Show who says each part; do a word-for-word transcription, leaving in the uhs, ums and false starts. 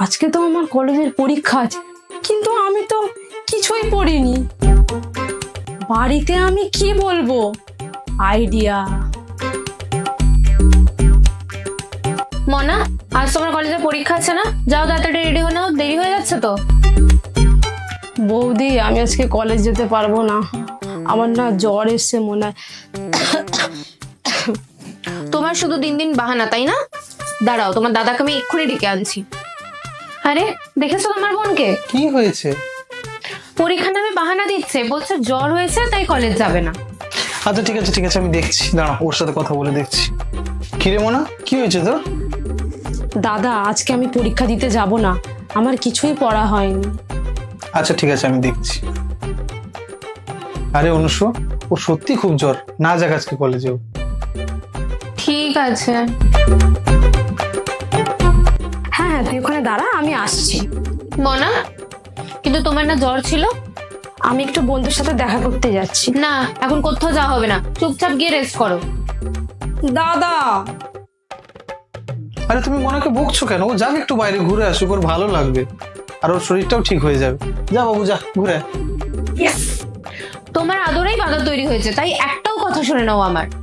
Speaker 1: আজকে তো আমার কলেজের পরীক্ষা আছে, কিন্তু আমি তো কিছুই পড়িনি। বাড়িতে আমি কি বলবো? আইডিয়া।
Speaker 2: মনা, আজ তোমার কলেজে পরীক্ষা আছে না? যাও তাড়াতাড়ি রেডি হয়ে নাও, দেরি হয়ে যাচ্ছে তো।
Speaker 1: বৌদি, আমি আজকে কলেজ যেতে পারবো না, আমার না জ্বর এসছে মনে হয়।
Speaker 2: তোমার শুধু দিন দিন বাহানা, তাই না? দাঁড়াও, তোমার দাদাকে আমি এক্ষুনি ডেকে আনছি। আরে, দেখেছো তোমার বোনকে?
Speaker 3: কি হয়েছে?
Speaker 2: পরীক্ষার নামে বাহানা দিচ্ছে, বলছে জ্বর হয়েছে তাই কলেজ যাবে না।
Speaker 3: আচ্ছা ঠিক আছে ঠিক আছে, আমি দেখছি, দাঁড়া ওর সাথে কথা বলে দেখছি। কিরে মোনা, কি হয়েছে তোর?
Speaker 1: দাদা, আজকে আমি পরীক্ষা দিতে যাব না, আমার কিছুই পড়া হয়নি।
Speaker 3: আচ্ছা ঠিক আছে, আমি দেখছি। আরে অনুষ্য, ও সত্যি খুব জ্বর, না যাক আজকে কলেজেও।
Speaker 2: ঠিক আছে।
Speaker 1: হ্যাঁ হ্যাঁ, তুই ওখানে দাঁড়া, আমি আসছি।
Speaker 2: মনা, কিন্তু তোমার না জ্বর ছিল?
Speaker 1: আমি একটু বন্ধুর সাথে দেখা করতে যাচ্ছি।
Speaker 2: না, এখন কোথাও যাওয়া হবে না, চুপচাপ গিয়ে রেস্ট করো।
Speaker 1: দাদা,
Speaker 3: আরে তুমি মোনাকে বকছো কেন? ও যাক একটু বাইরে ঘুরে আসুক, ওর ভালো লাগবে, আর ওর শরীরটাও ঠিক হয়ে যাবে। যা বাবু যা, ঘুরে আয়।
Speaker 2: তোমার আদরেই বাধা তৈরি হয়েছে, তাই একটাও কথা শুনে নাও আমার।